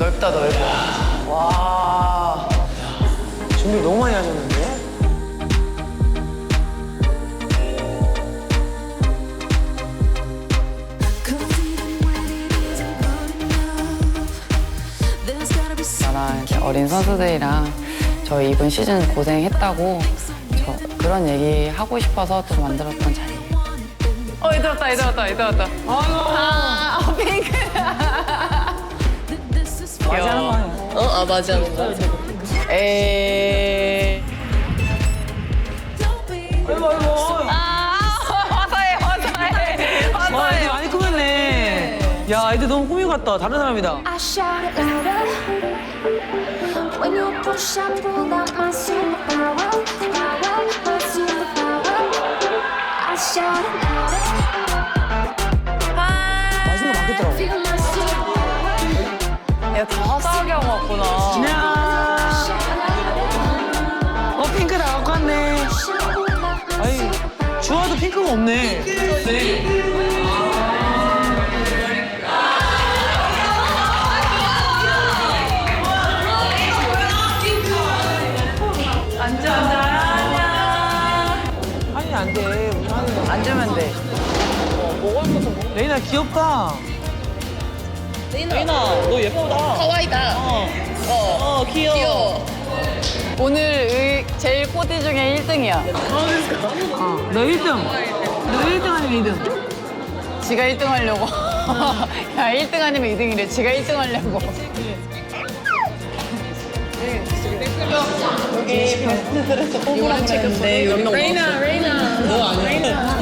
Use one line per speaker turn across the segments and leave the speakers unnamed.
넓다, 넓어. 와. 준비 너무 많이 하셨는데?
나랑 이렇게 어린 선수들이랑 저희 이번 시즌 고생했다고 그런 얘기 하고 싶어서 또 만들었던 자리예요. 이제 왔다, 이제 왔다, 이제 왔다. 아이고. 핑크.
맞이 하는 거 아니야?
맞아.
에이.
아이고, 아이고.
화사해.
와, 애들 많이 꾸몄네. 야, 애들 너무 꾸미고 갔다. 다른 사람이다.
I shout it louder when you push and pull out my superpower, my superpower. I shout it louder,
맛있는 거 많겠더라고.
feel my superpower.
야, 다 화사하게 하고 왔구나.
야, 핑크 나갖고 왔네. 아이, 주아도 핑크가 없네. 아니, 안 돼. 우리 하는 거.
앉으면 돼.
레이나 귀엽다.
레이나, 너 예쁘다. 가와이다. 귀여워.
오늘 제일 코디 중에 1등이야.
너 1등. 너 1등 아니면 2등?
지가 1등 하려고. 야, 1등 아니면 2등이래. 지가 1등 하려고. 여기 베스트 드레스 뽑으라고 했는데
레이나. 너 아니야?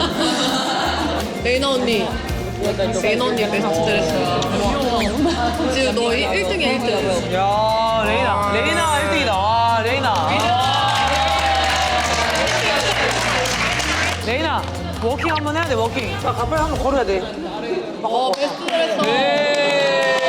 레이나 언니. 레이나 언니 베스트 드레스야. 지금 너 1등이야, 1등.
야, 레이나 1등이다. 와, 레이나, 워킹 한번 해야 돼, 워킹. 자, 가빨리 한번 걸어야 돼.
베스트 드레스.
네.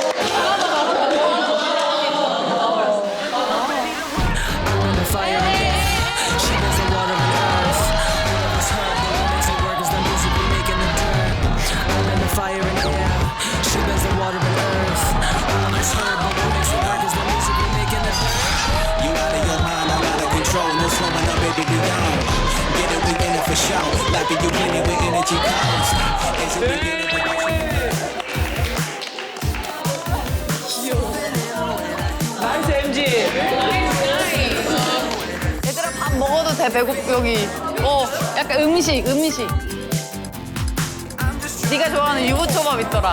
나이스 MG.
얘들아 밥 먹어도 돼. 배고프 여기. 약간 음식. 네가 좋아하는 유부초밥 있더라.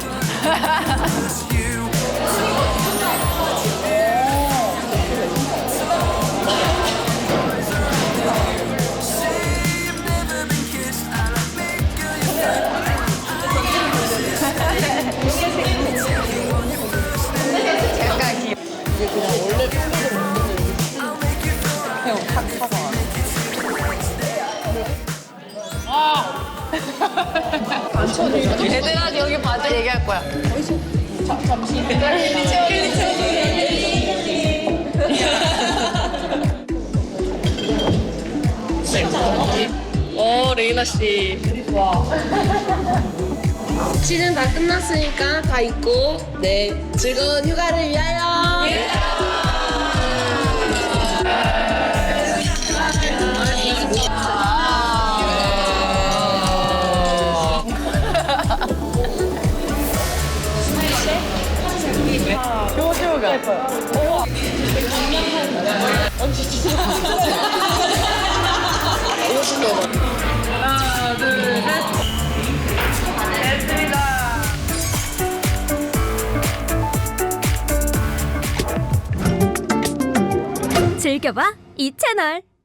약간 귀여워.
이게 그냥 원래 평소에 먹는
탁 사서. 얘들아 여기 봐줘. 얘기할 거야.
레이나 씨. 시즌 다 끝났으니까 다 잊고 즐거운 휴가를 위하여.
효주가. 하나, 둘, 셋. 됐습니다.
즐겨봐 이 채널.